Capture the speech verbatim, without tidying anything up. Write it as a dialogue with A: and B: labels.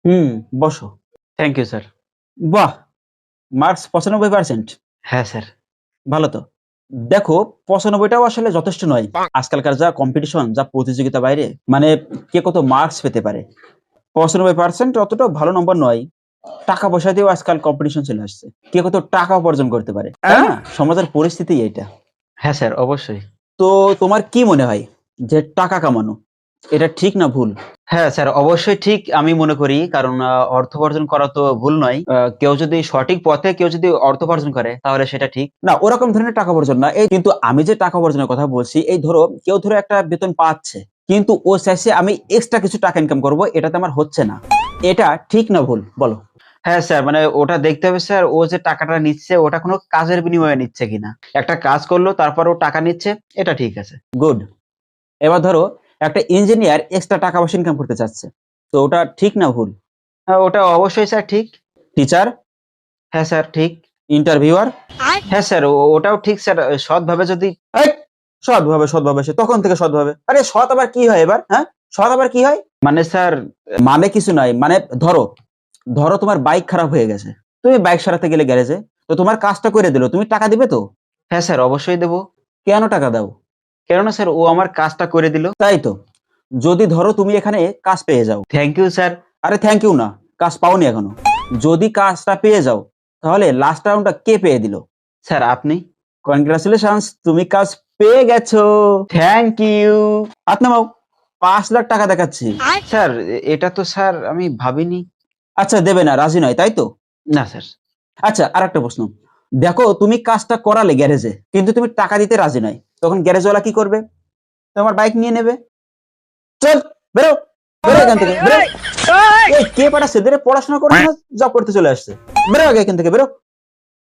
A: হুম, বসো।
B: Thank you sir.
A: বাহ! Marks পঁচানব্বই পার্সেন্ট।
B: হ্যাঁ স্যার।
A: ভালো তো। দেখো পঁচানব্বই টাও আসলে যথেষ্ট নয়। আজকালকার যা কম্পিটিশন, যা প্রতিযোগিতা বাইরে, মানে কে কত মার্কস পেতে পারে। পঁচানব্বই পার্সেন্ট অতটাও ভালো নম্বর নয়। টাকা-পয়সা দিয়েও আজকাল কম্পিটিশন চলে আসছে। কে কত টাকা উপার্জন করতে পারে। তাই না? সমাজের পরিস্থিতি এইটা।
B: হ্যাঁ স্যার, অবশ্যই।
A: তো তোমার কি মনে হয় যে টাকা কামানো এটা ঠিক না ভুল?
B: হ্যাঁ স্যার, অবশ্যই ঠিক আমি মনে করি। কারণ আ অর্থ উপার্জন করা তো ভুল নয়। আ কেউ যদি সঠিক পথে কেউ যদি অর্থ উপার্জন করে তাহলে সেটা ঠিক।
A: না, ওরকম ধরনের টাকা উপার্জন না। এই কিন্তু আমি যে টাকা উপার্জনের কথা বলছি, এই ধরো কেউ ধরো একটা বেতন পাচ্ছে। কিন্তু ও চাইছে আমি এক্সট্রা কিছু টাকা ইনকাম করব, এটাতে আমার হচ্ছে না। এটা ঠিক না ভুল বলো?
B: হ্যাঁ স্যার, মানে ওটা দেখতে হবে স্যার, ও যে টাকাটা নিচ্ছে ওটা কোনো কাজের বিনিময়ে নিচ্ছে কিনা। একটা কাজ করলো তারপর ও টাকা নিচ্ছে, এটা ঠিক আছে।
A: গুড। এবার ধরো একটা ইঞ্জিনিয়ার এক্সট্রা টাকা পয়সা ইনকাম করতে চাচ্ছে। তো ওটা ঠিক না ভুল?
B: আ ওটা অবশ্যই স্যার ঠিক।
A: টিচার,
B: হ্যাঁ স্যার, ঠিক।
A: ইন্টারভিউয়ার,
B: হ্যাঁ স্যার, ও ওটাও ঠিক স্যার। সৎভাবে যদি
A: এই সৎভাবে সৎভাবে সে তখন থেকে সৎভাবে। আরে সৎ আবার কি হয় এবার? হ্যাঁ? সৎ আবার কি হয়?
B: মানে স্যার
A: মানে কিছু নাই। মানে ধরো, ধরো তোমার বাইক খারাপ হয়ে গেছে। তুমি বাইক সারাতে গেলে গ্যারেজে। তো তোমার কাজটা করে দিল। তুমি টাকা দিবে তো?
B: হ্যাঁ স্যার, অবশ্যই দেব।
A: কেন টাকা দাও?
B: কেননা স্যার ও আমার কাজটা করে দিল।
A: তাই তো। যদি ধরো তুমি এখানে কাজ পেয়ে যাও।
B: Thank you sir.
A: আরে থ্যাংক ইউ না। কাজ পাওনি এখনো। যদি কাজটা পেয়ে যাও, তাহলে লাস্ট রাউন্ডটা কে পেয়ে দিল?
B: স্যার আপনি।
A: কনগ্রাচুলেশনস, তুমি কাজ পেয়ে গেছো।
B: Thank you.
A: হাত নামাও। পাঁচ লাখ টাকা দেখাচ্ছি।
B: স্যার এ- এটা তো স্যার আমি ভাবিনি।
A: আচ্ছা দেবে না, রাজি নয়, তাই তো?
B: না স্যার।
A: আচ্ছা আরেকটা প্রশ্ন। দেখো তুমি কাজটা করালে গ্যারেজে, কিন্তু তুমি টাকা দিতে রাজি নয়। তখন গ্যারেজওয়ালা কি করবে? তোমার বাইক নিয়ে নেবে। চল, বেরো, বেরো এখান থেকে, বেরো। এই কে পাঠাচ্ছে? এদের পড়াশোনা করছে না জব করতে চলে আসছে? বেরো আগে এখান থেকে, বেরো।